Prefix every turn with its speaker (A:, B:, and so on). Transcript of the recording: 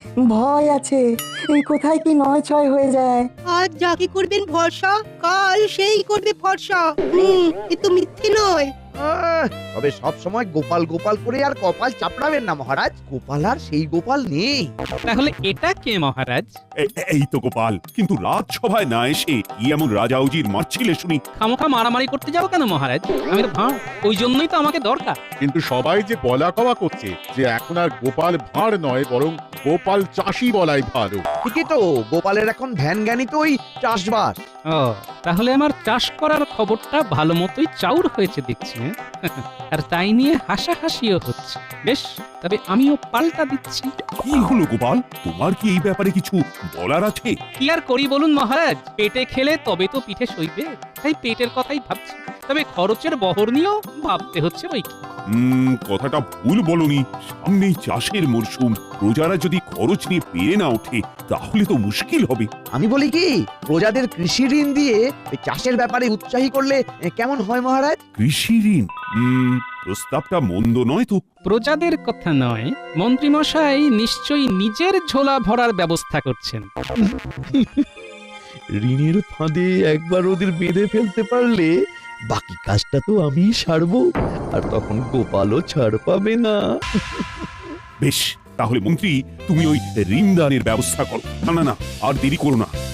A: ভয় আছে, এই কোথায় কি নয় ছয় হয়ে যায়।
B: আজ যাকে করবেন ভরসা, কাল সেই করবে ফর্সা। এ তো মিথ্যে নয়।
C: তবে সব সময় গোপাল গোপাল করে আর কপাল চাপড়াবেন না মহারাজ, গোপাল আর সেই গোপাল নেই।
D: তাহলে এটা কে মহারাজ?
E: এই তো গোপাল, কিন্তু রাজসভায় না এসে কি এমন রাজাউজির মারছিলে শুনি?
D: খামোখা মারামারি করতে যাবো কেন মহারাজ? আমি তো ভাঁড়, ওই জন্যই তো আমাকে দরকার।
F: কিন্তু সবাই যে বলা কওয়া করছে যে এখন আর গোপাল ভাঁড় নয়, বরং গোপাল চাষি বলাই ভালো।
C: ঠিকই তো, গোপালের এখন ধ্যান জ্ঞানী তো ওই চাষবাস।
D: ও, তাহলে আমার চাষ করার খবরটা ভালো মতোই চাউর হয়েছে দেখছি। হ্যাঁ? আর তাই নিয়ে হাসাহাসিও হচ্ছে। বেশ, তবে আমিও পাল্টা দিচ্ছি।
E: কি হলো গোপাল, তোমার কি এই ব্যাপারে কিছু বলার আছে?
D: কি আর করি বলুন মহারাজ, পেটে খেলে তবে তো পিঠে সইবে, তাই পেটের কথাই ভাবছি। তবে খরচের বহর নিয়েও ভাবতে হচ্ছে বই কি।
E: কথাটা ভুল বলনি। সামনেই চাষের মরশুম, প্রজারা যদি খরচ নিয়ে পেরে না ওঠে তাহলে তো মুশকিল হবে।
C: আমি বলি কি, প্রজাদের কৃষি ঋণ দিয়ে এই চাষের ব্যাপারে উৎসাহী করলে কেমন হয় মহারাজ?
E: কৃষি ঋণ, প্রস্তাবটা মন্দ নয় তো।
D: প্রজাদের কথা নয়, মন্ত্রীমশাই নিশ্চয়ই নিজের ঝোলা ভরার ব্যবস্থা করছেন।
G: ঋণের ফাঁদে একবার ওদের বেঁধে ফেলতে পারলে বাকি কাজটা তো আমি সারবো, আর তখন গোপালও ছাড় পাবে না।
E: বেশ, তাহলে মন্ত্রী তুমি ওই ঋণদানের ব্যবস্থা করো। না না না, আর দেরি করো না,